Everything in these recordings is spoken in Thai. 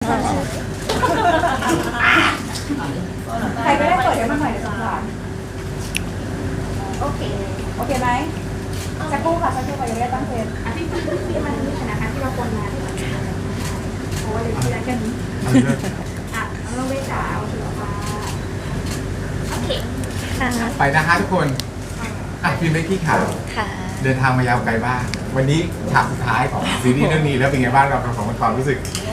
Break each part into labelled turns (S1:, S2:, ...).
S1: ใครก็ได้เปิดให้มันหน่อยเดี๋ยวสงสารโอเคไหมสักครู่ค่ะสักครู่ค่ะยังไม่ได้ตั้งเพลงที่มันมีธนาคารที่เราควรมาที่มันโอ้ยที่นั่นกันเราไม่จ๋าเอาถือมาโอเค
S2: ไปนะคะทุกคนพิมพ์ได้ที่ข่าวเดินทางมายาวไกลบ้างวันนี้ฉากสุดท้ายของซีรีส์เรื่องนี้แล้วเป็นไงบ้างเราของความรู้สึก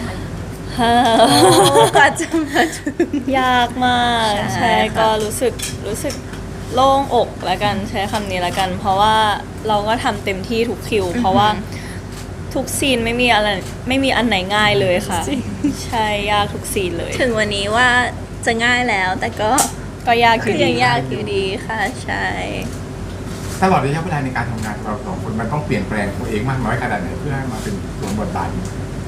S3: กว่าจะมาถึงยากมากใช่ก็รู้สึกโล่งอกแล้วกันใช้คำนี้แล้วกัน เพราะว่าเราก็ทำเต็มที่ทุกคิวเพราะว่าทุกซีนไม่มีอันไหนง่ายเลยค่ะใช่ยากทุกซีนเลยถึงวันนี้ว่าจะง่ายแล้วแต่ก็ยากอยู่ดียากอยู่ดีค่ะใช่
S2: ตลอดระยะเวลาในการทำงานของเราสองคนมันต้องเปลี่ยนแปลงตัวเองมากน้อยขนาดไหนเพื่อให้มาเป็นสวมบทบาท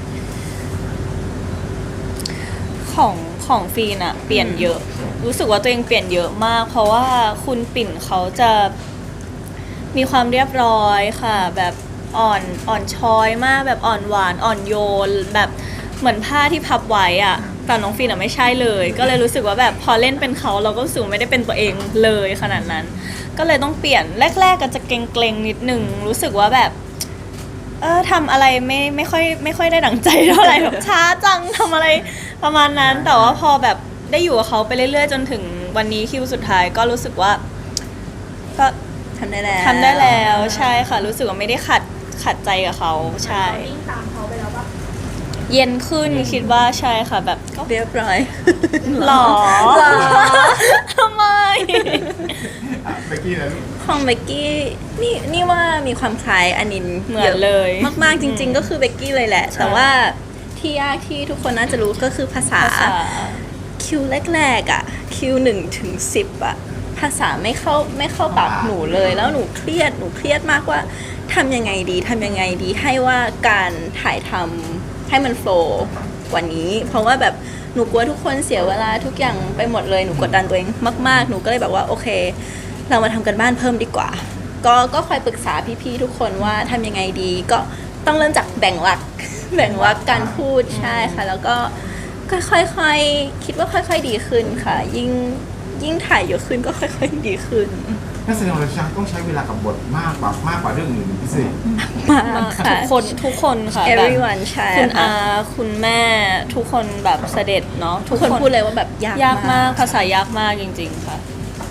S3: ของฟีนอะเปลี่ยนเยอะรู้สึกว่าตัวเองเปลี่ยนเยอะมากเพราะว่าคุณปิ่นเขาจะมีความเรียบร้อยค่ะแบบอ่อนช้อยมากแบบอ่อนหวานอ่อนโยนแบบเหมือนผ้าที่พับไว้อะแต่น้องฟีนอะไม่ใช่เลยก็เลยรู้สึกว่าแบบพอเล่นเป็นเขาเราก็รู้สึกไม่ได้เป็นตัวเองเลยขนาดนั้นก็เลยต้องเปลี่ยนแรกๆก็จะเกรงๆนิดนึงรู้สึกว่าแบบทำอะไรไม่ค่อยได้ดั่งใจเท่าไหร่แบบช้าจังทำอะไรประมาณนั้นแต่ว่าพอแบบได้อยู่กับเขาไปเรื่อยๆจนถึงวันนี้คิวสุดท้ายก็รู้สึกว่าก็ทำได้แล้วใช่ค่ะรู้สึกว่าไม่ได้ขัดใจกับเขาใช่ตามเขาไปแล้วปะเย็นขึ้นคิดว่าใช่ค่ะแบบก็เรียบร้อยหรอทำไม
S2: เบกกี้นะลูก
S3: ของเบกกี้นี่ว่ามีความคล้ายอนินเหมือนเลยมากๆจริงๆก็คือเบกกี้เลยแหละแต่ว่าที่ยากที่ทุกคนน่าจะรู้ก็คือภาษาคิวแรกๆอ่ะคิว1 ถึง 10อ่ะภาษาไม่เข้าปากหนูเลยแล้วหนูเครียดมากว่าทำยังไงดีให้ว่าการถ่ายทำให้มันโฟล์กว่านี้เพราะว่าแบบหนูกลัวทุกคนเสียเวลาทุกอย่างไปหมดเลยหนูกดดันตัวเองมากๆหนูก็เลยแบบว่าโอเคเรามาทำกันบ้านเพิ่มดีกว่าก็คอยปรึกษาพี่ๆทุกคนว่าทำยังไงดีก็ต้องเริ่มจากแบ่งวรรคการพูดใช่ค่ะแล้วก็ค่อยๆคิดว่าค่อยๆดีขึ้นค่ะยิ่งถ่ายเยอะขึ้นก็ค่อยๆดีขึ้น
S2: นักแสดงเราต้องใช้เวลากับบทมากกว่าเรื่องอื่นพิเศษ
S3: มากค่ะทุกคนค่ะ everyone ใช่คุณอาคุณแม่ทุกคนแบบเสด็จเนาะทุกคนพูดเลยว่าแบบยากมากภาษายากมากจริงๆค่ะ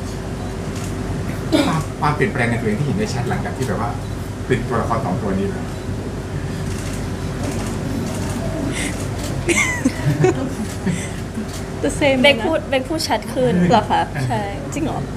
S2: ความเปลี่ยนแปลงในตัวเองที่เห็นได้ชัดหลังจากที่แบบว่าเป็นตัวละคร2 ตัวนี้แล้ว
S3: เบกพูดชัดขึ้นเหรอคะใช่จริงเหรอ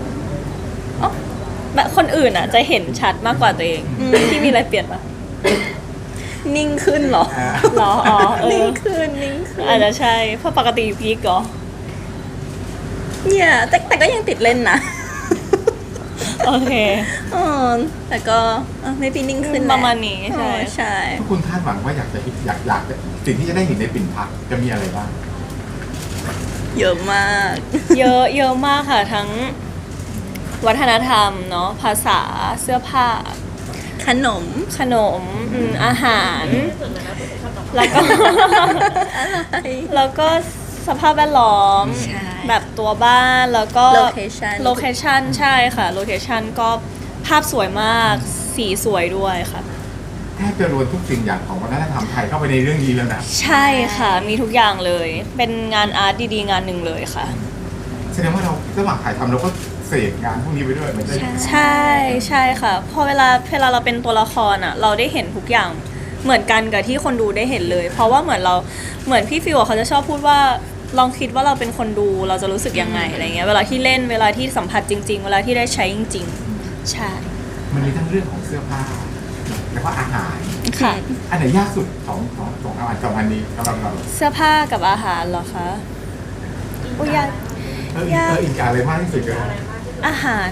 S3: แบบคนอื่นอ่ะจะเห็นชัดมากกว่าตัวเองที่มีอะไรเปลี่ยนปะนิ่งขึ้นเหรอนิ่งขึ้นอาจจะใช่เพราะปกติพีกเหรอเนี่ยแต่ก็ยังติดเล่นนะโอเคแต่ก็ไม่ปีนิ่งขึ้นประมาณนี้ใช่
S2: ทุกคนคาดหวังว่าอยากสิ่งที่จะได้เห็นในปิ่นพักจะมีอะไรบ้าง
S3: เยอะมากเยอะมากค่ะทั้งวัฒนธรรมเนาะภาษาเสื้อผ้าขนมอาหารแล้วก็สภาพแวดล้อมแบบตัวบ้านแล้วก็โลเคชั่นใช่ค่ะโลเคชั่นก็ภาพสวยมากสีสวยด้วยค่ะ
S2: แทบจะรวมทุกสิ่งอย่างของวัฒนธรรมไทยเข้าไปในเรื่องนี้แล้วนะ
S3: ใช่ค่ะมีทุกอย่างเลยเป็นงานอาร์ตดีๆงานหนึ่งเลยค่ะ
S2: แสดงว่าเราระหว่างถ่ายทำเราก็เสพงานพวกนี้ไปด้วยเหมือนกัน
S3: ใช่ค่ะพอเวลาเราเป็นตัวละครอ่ะเราได้เห็นทุกอย่างเหมือนกันกับที่คนดูได้เห็นเลยเพราะว่าเหมือนพี่ฟิวเขาจะชอบพูดว่าลองคิดว่าเราเป็นคนดูเราจะรู้สึกยังไงอะไรเงี้ยเวลาที่เล่นเวลาที่สัมผัสจริงๆเวลาที่ได้ใช้จริงๆใช่
S2: มันมีทั้งเรื่องของเสื้อผ้าแล้วก็อาหาร
S3: ค่ะ
S2: อันไหนยากสุดของอาหาร2 อันนี้สำหรับเรา
S3: เสื้อผ้ากับอาหารเหรอคะยาก
S2: อีกอะไรมากที่สุดเลย
S3: อาหาร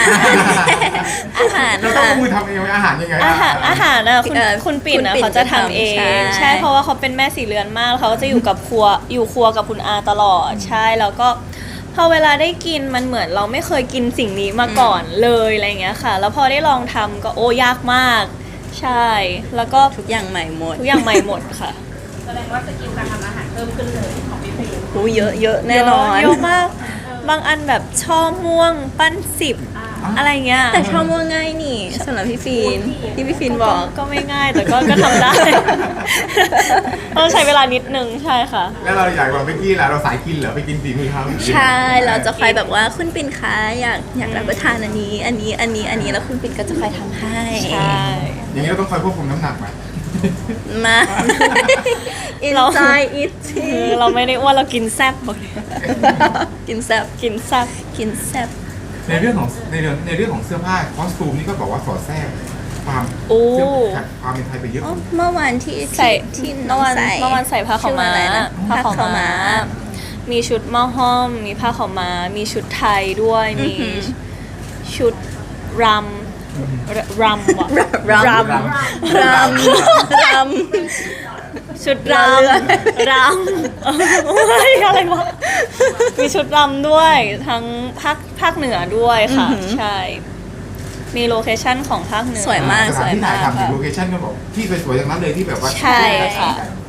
S2: เราต้องมือทำเองอาหารยังไง
S3: อาหารนะคุณปิ่นนะเขาจะทำเองใช่เพราะว่าเขาเป็นแม่สีเรือนมากเขาจะอยู่ครัวกับคุณอาตลอดใช่แล้วก็พอเวลาได้กินมันเหมือนเราไม่เคยกินสิ่งนี้มาก่อนเลยอะไรเงี้ยค่ะแล้วพอได้ลองทำก็ยากมากใช่แล้วก็ทุกอย่างใหม่หมดค่ะ
S1: แสดงว่าสกิลการทำอาหารเพิ่มขึ้นเลยของพี่ฟิล์ม
S4: อู้เยอะเยอะแน่นอน
S3: เยอะมาก บางอันแบบช่อม่วงปั้น10อะไรเงี้ย
S4: แต่ชอบมัวง่ายนี่สำหรับพี่ฟีนที่พี่ฟีนบอก
S3: ก็ไม่ง่ายแต่ก็ทำได้ ต้องใช้เวลานิดนึงใช่ค่ะ
S2: แล้วเราอยากบอกเบกกี้ล่ะเราสายกินเหรอไปกินฝีมือเขา
S4: ใช่ เราจะคอยแบบว่าคุณปิ่นคะอยากรับประทานอันนี้แล้วคุณปิ่นก็จะคอยทำให้
S3: ใช่
S2: อย่างนี้เราต้องคอยควบคุมน้ำหนักไหม
S4: มา enjoy it
S3: คือเราไม่ได้อ้วนเรากินแซ่บบอกเลย
S4: กินแซ่บ
S3: กินแซ่บ
S4: กินแซ่บ
S2: ในเรื่องของเสื้อผ้าคอสตูมนี่ก็บอกว่าสอดแทรกความ
S3: โอ้
S2: เสื้อผ้าความเป็นไทยไปเยอะ
S4: อ๋อเมื่อวานที่
S3: ใส่
S4: ที่น้
S3: เมื่
S4: อ
S3: อง วาน
S4: ใส่
S3: เมื่อวานใส่ผ้าขาวม้า
S4: ชื่ออะไรนะ
S3: ผ้าขาว
S4: ผ้าขาวม้า
S3: ม้า มีชุดหม้อห้อม มีผ้าขาวม้า มีชุดไทยด้วย มีชุดรำว่ะ
S4: รำ
S3: ชุดรำอะไรวะ มีชุดรำด้วยทั้งภาคเหนือด้วยค่ะ ใช่ มีโลเคชั่นของภาคเหนือ
S4: สวยมาก
S2: สถานที่ถ่ายทำ
S3: ค่ะ
S2: โลเคชั่นก็บอกที่สวยๆอย่างนั้นเลยที่แบบว่า
S3: ใช่ค่ะ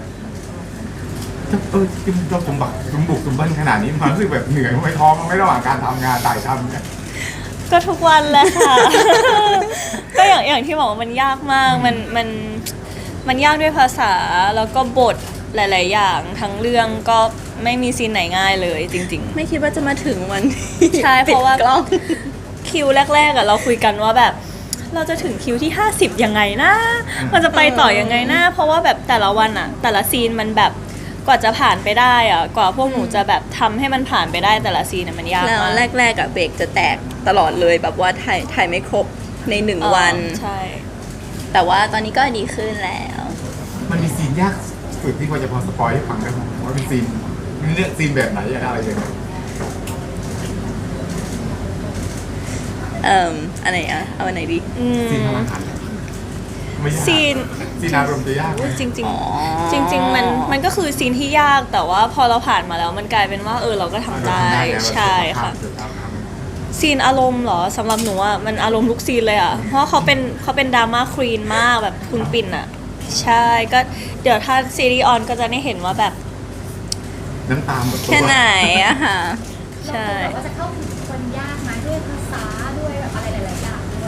S2: ที่เราสมบุกสมบันขนาดนี้มันรู้สึกแบบเหนื่อยไม่ท้อไม่ระหว่างการทำงานถ่ายทำเนี่ย
S3: ก็ทุกวันแหละค่ะ ก็อย่างที่บอกว่ามันยากมาก มันยากด้วยภาษาแล้วก็บทหลาย ๆ อย่างทั้งเรื่องก็ไม่มีซีนไหนง่ายเลยจริง
S4: ไม่คิดว่าจะมาถึงวันที่
S3: ใช่เพราะว่า
S4: ปิดกล้อง
S3: ๆ คิวแรก ๆอะเราคุยกันว่าแบบ เราจะถึงคิวที่ 50 ยังไงนะ มันจะไปต่อยังไงนะ เพราะว่าแบบแต่ละวันอะแต่ละซีนมันแบบกว่าจะผ่านไปได้อะกว่าพวกหนูจะแบบทำให้มันผ่านไปได้แต่ละซีนอะมันยาก
S4: แล้ว
S3: มาก
S4: แรกๆอะเบรกจะแตกตลอดเลยแบบว่าถ่ายไม่ครบใน1 วัน
S3: ใช่
S4: แต่ว่าตอนนี้ก็ดีขึ้นแล้ว
S2: มันมีซีนยากสุดที่พอจะพอสปอยให้ฟังได้ไหมว่าเป็นซีนเลือกซีนแบบไหนอะไรยังไง
S4: อะไรอะเอาอันไหนดี
S2: ซีนพลังหันไม่ยาก
S3: ซีน
S2: ซีนอารมณ์จะยากไหม
S3: จริง
S4: อ๋อ
S3: ๆ จริง ๆ มันก็คือซีนที่ยากแต่ว่าพอเราผ่านมาแล้วมันกลายเป็นว่าเราก็ทำได้
S2: แล้ว
S3: ใช่ค่ะ ซีนอารมณ์เหรอสำหรับหนูอ่ะมันอารมณ์ทุกซีนเลยอ่ะเพราะว่าเขาเป็นดราม่าควีนมากแบบคุณปิ่นอ่ะ ใช่ก็เดี๋ยวถ้าซีรีส์ออนก็จะได้เห็นว่าแบบ
S2: น้ำตาหมดตัว
S4: แค่ไหนอะค่ะ
S3: ใช่
S1: แบบว่าจะเข้าถึงคนยากไหมด้วยภาษาด้วยแบบอะไรหลายๆอย่างด้วย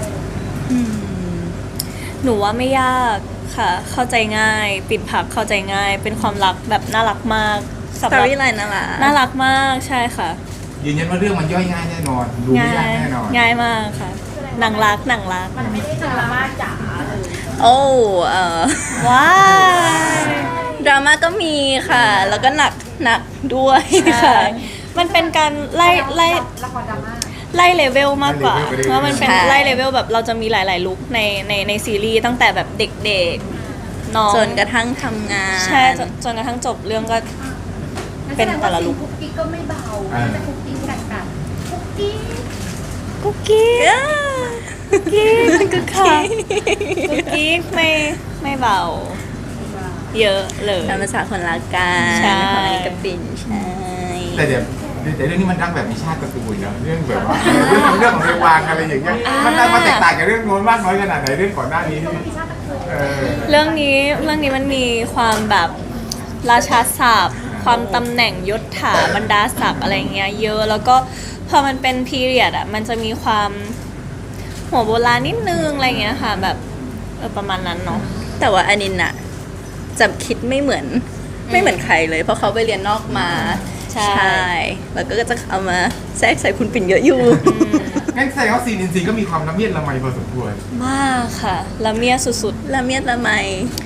S3: หนูว่าไม่ยากค่ะ เข้าใจง่าย ปิดผักเข้าใจง่าย เป็นความรักแบบน่ารักมาก
S4: สตอรี่ไลน์น่ารัก
S3: น่ารักมากใช่ค่ะ
S2: ยืนยันว่าเรื่องมันย่อยง่ายแน่นอนดูไม่ยากแน่นอน
S3: ง่ายมากค่ะหนังรัก
S1: มันไม่ได้ดราม่าจ๋าเลย
S4: โอ้
S3: ว้าย
S4: ดราม่าก็มีค่ะ แล้วก็หนักด้วยค่ะ
S3: มันเป็นการไล่
S1: ละครดราม่า
S3: ไล่เลเวลมากกว่า
S2: ไล่เลเวลไปเรื่อยๆ
S3: เพราะมันเป็น
S4: ใช่
S3: ไล่เลเวลแบบเราจะมีหลาย ๆ ลุคในซีรีส์ตั้งแต่แบบเด็กๆน้อง
S4: จนกระทั่งทำงาน
S3: ใช่จนกระทั่งจบเรื่องก็ เป็นแต่ละลุค
S1: คุกกี้ก็ไม่เบาจะคุกกี้กันคุกกี้
S3: กุ๊กกิ๊ก
S4: อ่า
S3: กุ๊กกิ๊กค่ะกุ๊กกิ๊กไม่เบา เยอะเลย
S4: ตามภาษาคนรักกัน
S3: ใช่
S4: ของอันนี้กับปิ่นใช่
S2: แต่เรื่องนี้มันรักแบบมีชาติตระกูลเนาะเรื่องแบบว่าเรื่องของเรวางอะไรอย่างเงี้ยมันแตกต่างจากเรื่องโน้นมากน้อยขนาดไหนเรื่องก่อนหน้านี้
S1: มีชาติตระกูล
S2: เออ
S3: เรื่องนี้มันมีความแบบราชาศัพท์ความตำแหน่งยศถาบรรดาศักดิ์อะไรเงี้ยเยอะแล้วก็พอมันเป็นพีเรียดอ่ะมันจะมีความหัวโบราณนิดนึงอะไรเงี้ยค่ะแบบประมาณนั้นเนาะ
S4: แต่ว่าอานินอะจะคิดไม่เหมือนใครเลย เพราะเขาไปเรียนนอกมา
S3: ใช่
S4: แล้วก็จะเอามาแทรกใส่คุณปิ่นเยอะอยู่
S2: งั้นแสดงว่าซีนอินซีก็มีความละเมียดละไมพอสมควร
S3: มากค่ะละเมียสุด
S4: ละเมียดละไม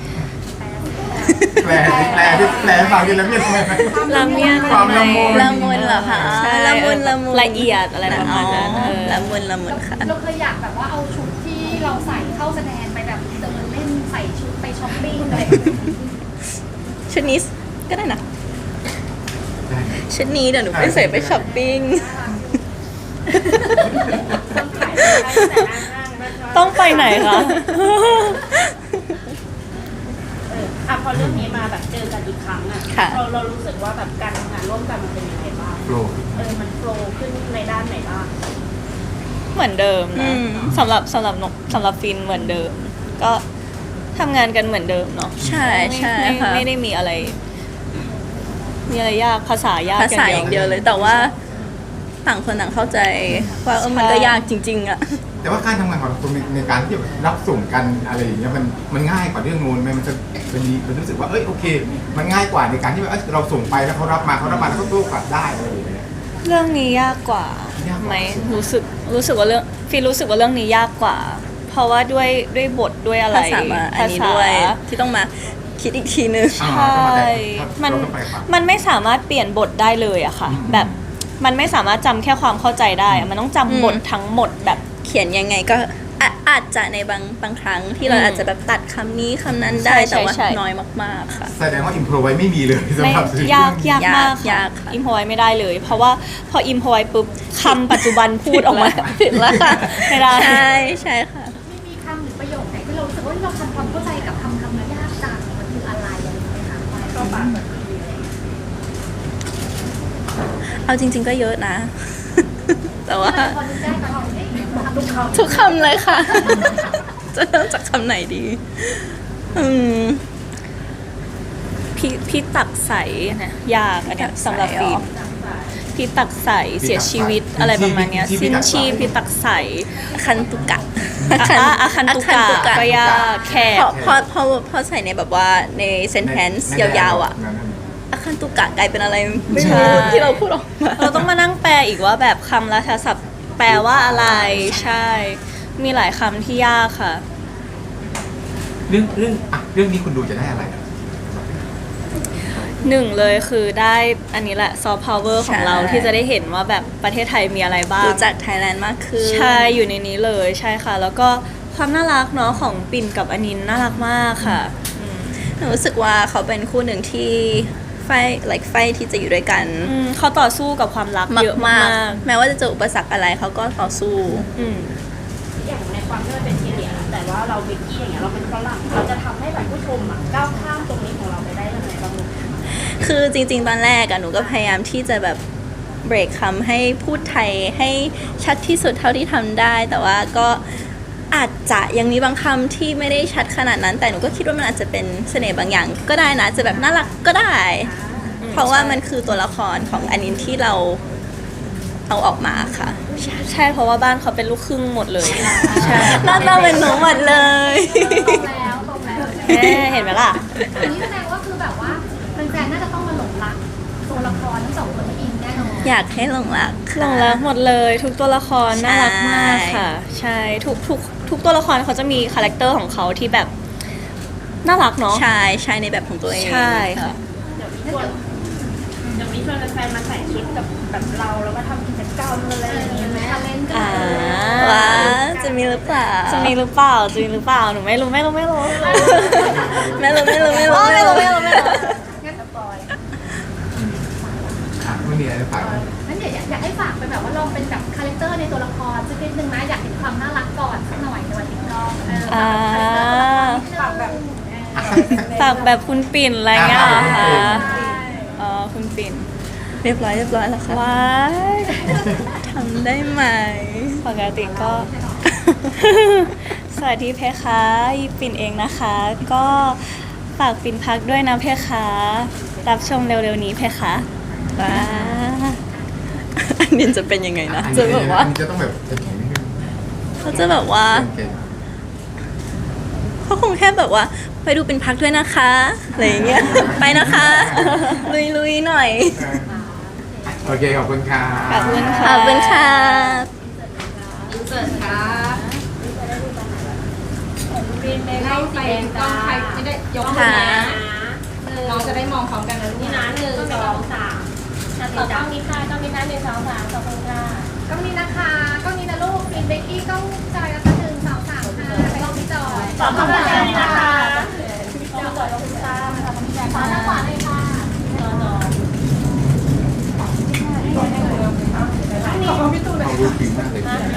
S2: แปลฟังดิละเมียดละไม
S3: ๆละเมีย
S2: ความละมุน
S4: ละมุนเหรอคะ
S3: ใช่
S4: ละมุน
S3: ละเอียดอะไรประมาณนั้น
S4: อ๋อ
S3: เออ
S4: ละมุนค่ะ
S1: เราเคยอยากแบบว่าเอาชุดที่เราใส่เข้าแสดงไปแบบเดินเล่นใส่ชุดไปช้อปปิ้งอะไร
S4: ชุดนี้ก็ได้นะ
S2: ได้
S4: ชุดนี้เดี๋ยวหนูไปใส่ไปช้อปปิ้ง
S3: ต้องไปไหนคะ
S1: พอเรื่องนี้มาแบบเจอกันอีกครั้งอ่ะ
S4: ค่ะ
S1: เรารู้สึกว่าแบบการทำงานร่วมกันมันเป็นยังไงบ้าง
S2: โปร
S1: มันโฟล์ขึ้นในด้านไหนบ้าง
S3: เหมือนเดิม
S4: อื
S3: นะ
S4: ม
S3: สำหรับฟินเหมือนเดิม ก็ทำงานกันเหมือนเดิมเนาะ
S4: ใช่ใช่ค่ะ
S3: ไม่ได้มีอะไรมีอะไรยากภาษายาก
S4: ภาษาอย่างเดียวเลย แต่ว่าต่างคนต่างเข้าใจว่ามันก็ยากจริงๆอะ
S2: แต่ว่าการทำงานของเราในการที่แบบรับส่งกันอะไรอย่างเงี้ยมันง่ายกว่าเรื่องนู้นไหมมันรู้สึกว่ารู้สึกมันง่ายกว่าในการที่ว่าเราส่งไปแล้วเขารับมาแล้วเขาโต้กลับได้อะไรอย่างเงี้ย
S3: เรื่องนี้ยากกว่า
S2: ยากกว่า
S3: ไหมรู้สึกว่าเรื่องฟีรู้สึกว่าเรื่องนี้ยากกว่า เพราะว่าด้วยบทด้วยอะไร
S4: ภาษามาอันนี้ด้วยที่ต้องมาคิดอีกทีนึง
S3: ใช่มันไม่สามารถเปลี่ยนบทได้เลยอะค่ะ แบบมันไม่สามารถจำแค่ความเข้าใจได้อะมันต้องจำบททั้งหมดแบบ
S4: เขียนยังไงก็อาจจะในบางครั้งที่เราอาจจะแบบตัดคำนี้คำนั้นได้
S3: ใช่
S4: แต่ว่า
S3: ใช่
S4: น้อยมากๆค่ะ
S2: แสดงว่าอิมโพรไว้ไม่มีเลยสำ
S3: ไม่
S2: หรับซีรีส์
S3: ยากมาก
S4: ยา
S3: ค่ะ
S4: กค่ะ
S3: อิมพอไว้ไม่ได้เลย เพราะว่าพออิมพอไว้ปุ๊บคำปัจจุบันพูดออกมา
S4: ผิดแล้วค่ะ
S3: ไม่ได้
S4: ใช่ค่ะ
S1: ไม่มีคำหรือประโยคไหนที่เรารู้สึกว่าเราทำความเข้าใจกับคำนั้นยากจังมันคืออะไรอะไรอย่างเงี้ยค่ะก็ปากแบบนี้อะไรอย่างเงี้ย
S4: เอาจริง ๆก็เยอะนะ แต่ว่า
S1: พอนึกได้ก็เอาทำทุกคำ
S4: ทุกคำเลยค่ะ จะเริ่มจากคำไหนดี
S3: พี่ตักใสนะยากอันเนี้ยสำหรับฟีพี่ตักใสเสียชีวิตอะไรประมาณเนี้ยสิ้นชีพพี่ตักใส
S4: คันตุกะ
S3: อาคันตุกะก็ยากแขก
S4: พอใส่ในแบบว่าในเซนเทนส์ยาวๆอ่ะอาคันตุกะกลายเป็นอะไรไม่รู้ที่เราพูดออกมา
S3: เราต้องมานั่งแปลอีกว่าแบบคำราชาศัพท์แปลว่าอะไรใช่ มีหลายคำที่ยากค่ะ
S2: เรื่องนี้คุณดูจะได้อะไรอะ
S3: หนึ่งเลยคือได้อันนี้แหละซอฟต์พาวเวอร์ของเรา
S4: ใช่
S3: ที่จะได้เห็นว่าแบบประเทศไทยมีอะไรบ้าง
S4: รู้จักไทยแลนด์มากขึ้น
S3: ใช่อยู่ในนี้เลยใช่ค่ะ แล้วก็ความน่ารักเนาะของปิ่นกับอนินน่ารักมากค่ะ
S4: หนูรู้สึกว่าเขาเป็นคู่หนึ่งที่ไฟที่จะอยู่ด้วยกัน
S3: เขาต่อสู้กับความรักเยอะมาก
S4: แม้ว่าจะเจออุปสรรคอะไรเขาก็ต่อสู้
S3: อืม
S1: อย่างในความที่มันเป็นทีเดียแต่ว่าเราเบกกี้อย่างเงี้ยเราเป็นฝรั่งเราจะทำให้แบบผู้ชมอ่ะก้าวข้ามตรงนี้ของเราไปได้ยังไงบ้าง
S4: คือจริงๆ ตอนแรกอะหนูก็พยายามที่จะแบบเบรกคำให้พูดไทยให้ชัดที่สุดเท่าที่ทำได้ แต่ว่าก็อาจจะยังมีบางคำที่ไม่ได้ชัดขนาดนั้น แต่หนูก็คิดว่ามันอาจจะเป็นเสน่ห์บางอย่างก็ได้นะ จะแบบน่ารักก็ได้ เพราะว่ามันคือตัวละครของอันนี้ที่เราเอาออกมาค่ะ
S3: ใช่เพราะว่าบ้านเขาเป็นลูกครึ่งหมดเลยใช่
S4: หน้าตาเป็นหนูหมดเลย
S1: ตรงแล้ว
S3: เห็นไหมล่ะ
S1: อันนี้แสดงว่าคือแบบว่าแฟนๆน่าจะต้องมาหลงรักตัวละครทั้งสองคนที่อินแน่นอน
S4: อยากให้หลงรัก
S3: หล
S4: ค่ะ
S3: งรักหมดเลยทุกตัวละครน่ารักมากค่ะ ใช่ทุกตัวละครเขาจะมีคาแรคเตอร์ของเขาที่แบบน่ารักเนาะ
S4: ใช่ในแบบของตัวเอง
S3: ใช่ค่ะ
S1: เดี๋ยวมีชวนแฟนๆมาใส่ชุดแบบเราแล้วก็ทำกิจกรรมอะไรอย่างเงี้ยไหมเล่นกัน
S4: ว้าจะมีหรือเปล่า
S3: จะมีหรือเปล่าหนูไม่รู้
S4: ไม่รู้
S1: งั้นสปอย
S2: ไม่มีอะไรจะฝาก
S1: งั้นเดี๋ยวอยากให้ฝากเป็นแบบว่าลองเป็นแบบคาแรคเตอร์ในตัวละครสักนิดนึงนะอยากเห็นความน่ารักก่อนสักหน่อยในวันที่น้องฝากแบบ
S3: ฝากแบบคุณปิ่นอะไรเงี้ยเหรอคะอ๋อคุณปิ่น
S4: เรียบร้อยแล้วค่ะ
S3: ว้าย
S4: ทำได้ไหม
S3: ปกติก็ สวัสดีเพคะอีปิ่นเองนะคะ ก็ฝากปิ่นพักด้วยนะเพคะรับชมเร็วๆนี้เพคะ
S4: ว้าอันนี้จะเป็นยังไงนะ จะแบบว่า
S2: อันนี้จะต้องแบบแข็งๆนิดนึง
S4: เขาจะแบบว่า
S2: เก่ง
S4: เขาคงแค่แบบว่าไปดูเป็นพักด้วยนะคะอะไรอย่างเงี้ยไปนะคะ ลุยๆหน่อย
S2: ๆโอเคขอบคุณค่ะ
S3: ขอบคุณ
S4: ข
S3: ค่ะ
S4: อบคุณค่ะ
S1: อินเสิร์ตครับเป็นในไล่สีแดงจ้าไม่ได้ยก
S4: ค่ะ
S1: น้องจะได้มองพร้อมกันนะลูกนี่นะ1 2 3ต่อต้องมีค่ะต้องมีนะ1 2 3ขอบคุณค่ะต้องนี้นะคะต้องนี้นะลูกปินเบกกี้ต้องจอยกันสัก1 2 3 5ไปลองพี่จอยขอบคุณนะคะพี่จอยขอบคุณค่ะขอบคุณค่ะขอหน้าขวาเลยค่ะขอบคุณพี่ตูนเลย
S2: เอาดูฟิล์มมากเลย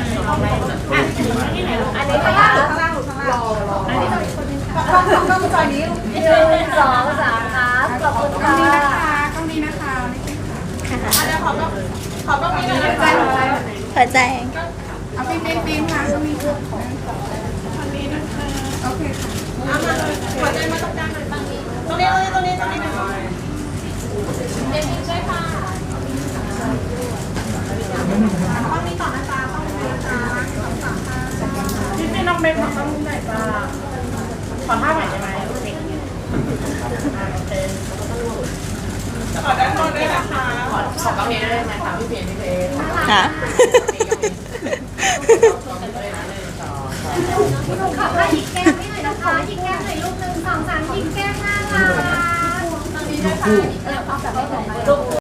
S1: อันนี้ข้างล่างข้างล่างอันนี้จะมีคนนึงค่ะต้องจอยนี้1 2 3ครับขอบคุณค่ะต้องนี้นะคะเดี๋ยวขอต้องนี้นะใจหัวใจ
S4: หัวใจ
S1: เอาปีนค่ะต้องมีคนนี้นะคะโอเคค่ะเอามาเลยหัวใจมาตรงกลางหน่อยฝั่งนี้ตรงนี้นะคะเ
S5: ต้องเป็นของต้องไหนจ้าขอท่าใหม่ได้ไหมโอเคขอด้านบนด้วยนะคะขอกล้องนี้ได้ไหมคะพี่เพน
S4: ค่ะ
S6: ขอให้หยิกแก้มให้หน่อยนะคะหยิกแก้มหน่อยลูก1 2 3หยิกแก้มน่ารัก
S2: ลูกคู่
S1: เอาแบบไม่เหมือนกัน